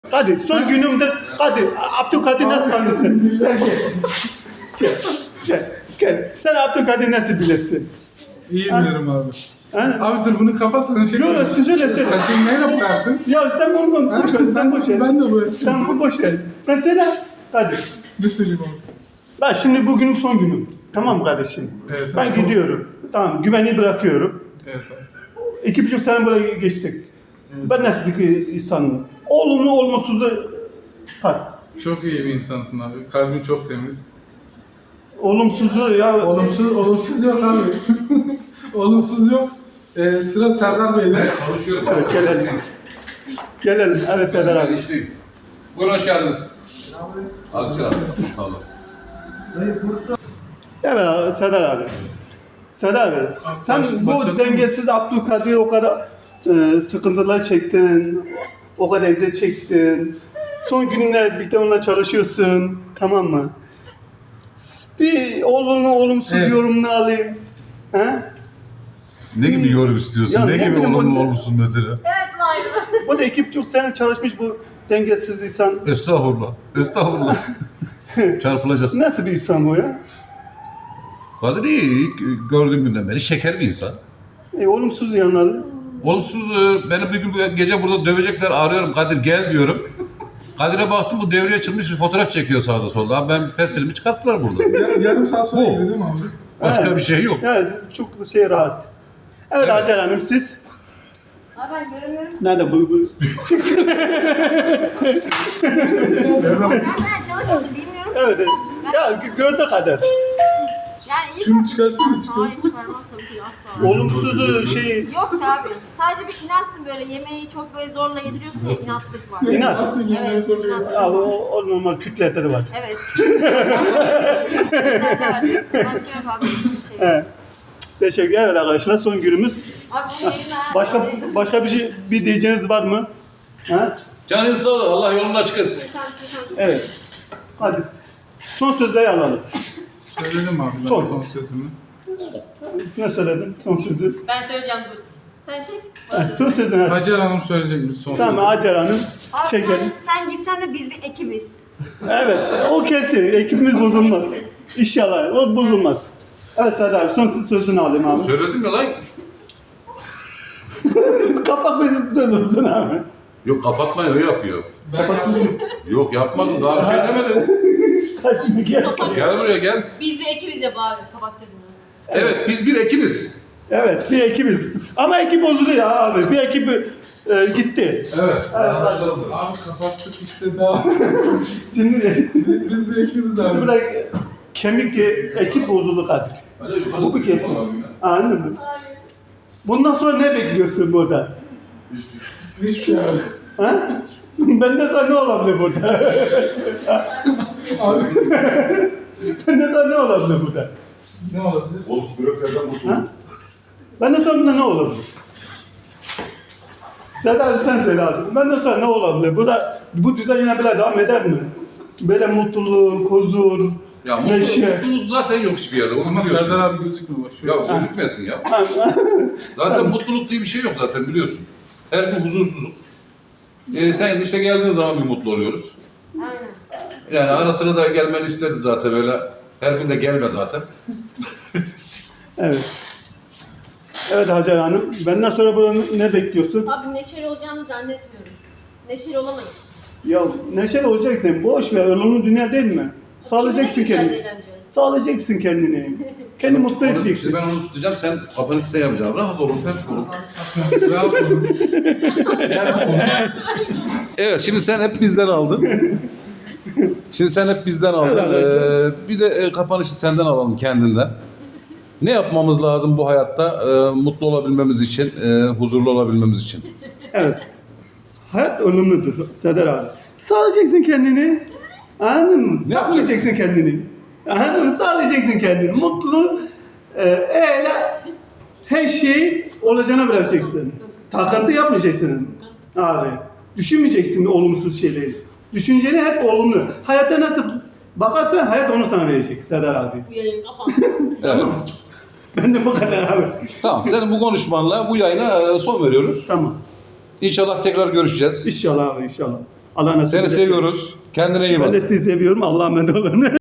Hadi son günümdür. Hadi Abdülkadir nasıl tanırsın? Gel. Sen Abdülkadir nasıl bilirsin? İyi bilirim abi. Ha? Abi dur bunu kapatsana. Yok söyle. Saçını neyle bıraktın? Ya sen bunu boş ver. Sen boş ver. Ben de bu. Sen bunu boş ver. Sen söyle. Hadi. Ne söyleyeyim abi? Ben şimdi bugünün son günü. Tamam mı kardeşim? Evet, Ben tamam. gidiyorum. Tamam güveni bırakıyorum. Evet abi. 2,5 sene buraya geçtik. Evet. Ben nasıl bir insanım? Olumlu olumsuzu bak. Çok iyi bir insansın abi. Kalbin çok temiz. Olumsuzu ya. Olumsuz yok abi. Olumsuz yok. Sıra Serdar Bey'de. Konuşuyorum. Evet, gelelim. Evet Serdar abi. İşteyim. Buyurun hoş geldiniz. Abi selam. Sağ olasın. Evet Serdar abi. Serdar abi. Sen bu başladın mı? dengesiz Abdülkadir o kadar sıkıntılar çektin. O kadar eziyet çektin. Son günler birlikte onunla çalışıyorsun. Tamam mı? Bir olumsuz Evet. yorumunu alayım. He? Ne gibi yorum istiyorsun? Ya ne ne gibi bileyim, olumlu o- olumsuz mesela? Evet var. Bu da 2,5 sene çalışmış bu dengesiz insan. Estağfurullah. Estağfurullah. Çarpılacağız. Nasıl bir insan bu ya? Kadir iyi. İlk gördüğüm günden beri şeker bir insan. Olumsuz yanları. Olumsuz beni bir gün bu gece burada dövecekler, arıyorum Kadir gel diyorum. Kadir'e baktım bu devreye çıkmış fotoğraf çekiyor sağda solda. Abi ben pestilimi çıkarttılar burada. Yarım saat sonra Bu. geliyor değil mi abi? Başka Evet. bir şey yok. Evet, çok rahat. Evet, Evet. Hacer Hanım siz? Abi ben göremiyorum. Nerede bu? Çıksın. Nereden çalışmadım bilmiyorum. Evet. Ya gördü kadar. Yani iyi. Şunu çıkarsana, Hayır çıkarsana. çıkarmam tabii ki asla. Olumsuzu şey Yok abi. Sadece bir inatsın böyle yemeği çok böyle zorla yediriyorsun ya inatlık var. İnat. Atsın yemeğe Evet, soruyor. inatlık ya, var. o normal kütlerde de var. Evet. Başka yok abi. Şey. Evet. Teşekkür ederim arkadaşlar. Son günümüz. Abi bu yayınlar- Başka bir diyeceğiniz var mı? Ha? Canın sağ ol. Allah yolunu açık etsin. Evet. Hadi. Son sözleri alalım. Söyledim abi ben Son. son sözümü. Ne söyledin? Son sözü. Ben söyleyeceğim dur. Sen çek. Evet, son sözünü hadi. Hacer Hanım söyleyecek mi son Tamam Hacer Hanım. Abi Çekelim. sen gitsen de biz bir ekibiz. Evet, o kesin. Ekibimiz bozulmaz. İnşallah, o bozulmaz. Evet Serdar abi, son sözünü alayım abi. Söyledim ya lan. Kapak bizi söz olsun abi. Yok kapatmayı o yapıyor. Ben yaptım. Yok yapmadım daha bir şey demedim. Kaçını gel. Gel buraya gel. Biz bir ekibiz ya bari kabak tadını. Evet biz bir ekibiz. Evet, bir ekibiz. Ama ekip bozuldu ya abi. Bir ekip gitti. Evet. Abi kapattık işte daha. Şimdi Biz bir ekibiz abi. bırak kemik ekip bozuldu Kadir. Bu bir kesin. Anladın mı? Bundan sonra ne bekliyorsun burada? Hiçbir şey abi. Ha? Benden sonra ne olabilir burada? Abi Benden sonra ne olabilir burada? ne olabilir? Bozuk böreklerden kurtulduk. Ha? Benden sonra ne olabilir? Serdar abi sen söyle abi. Benden sonra ne olabilir? Bu düzen yine böyle devam eder mi? Böyle mutluluk, huzur, Ya neşe. mutluluk zaten yok hiçbir yerde. Onu Ama biliyorsun. Serdar abi gözükmüyor bak. Şöyle. Ya gözükmesin ya. Zaten mutluluk diye bir şey yok zaten biliyorsun. Her gün huzursuzluk. Sen işte geldiğin zaman bir mutlu oluyoruz. Aynen. Yani ara sıra da gelmeni isteriz zaten öyle. Her gün de gelme zaten. Evet. Evet Hacer Hanım. Benden sonra burada ne bekliyorsun? Abi neşeli olacağımı zannetmiyorum. Neşeli olamayız. Ya neşeli olacaksın. Boş ver. Ölümlü dünya değil mi? Sağlayacaksın Kimle güzel kendini. eğleneceğiz? Sağlayacaksın kendini. Kendi mutlu Onu, edeceksin. ben onu tutacağım. Sen kapanışı sen yapacaksın. Rahat olun. Sen olun. Rahat olun. Evet şimdi sen hep bizden aldın. Şimdi sen hep bizden aldın. Evet arkadaşlar. Bir de kapanışı senden alalım kendinden. Ne yapmamız lazım bu hayatta mutlu olabilmemiz için, huzurlu olabilmemiz için? Evet. Hayat ölümlüdür Serdar abi. Sağlayacaksın kendini. Anladın mı? Ne Takmayacaksın kendini. Anladın mı? Sağlayacaksın kendini. Mutluluğu öyle her şeyi olacağına bırakacaksın. Takıntı yapmayacaksın abi. Düşünmeyeceksin olumsuz şeyleri. Düşünceni hep olumlu. Hayatta nasıl bakarsan hayat onu sana verecek Serdar abi. Bu yayın kapandı. Evet. Ben de bu kadar abi. Tamam. Senin bu konuşmanla bu yayına son veriyoruz. Tamam. İnşallah tekrar görüşeceğiz. İnşallah abi inşallah. Allah nasip Seni ederse. seviyoruz. Kendine iyi bak. Ben de sizi seviyorum. Allah'a emanet olun.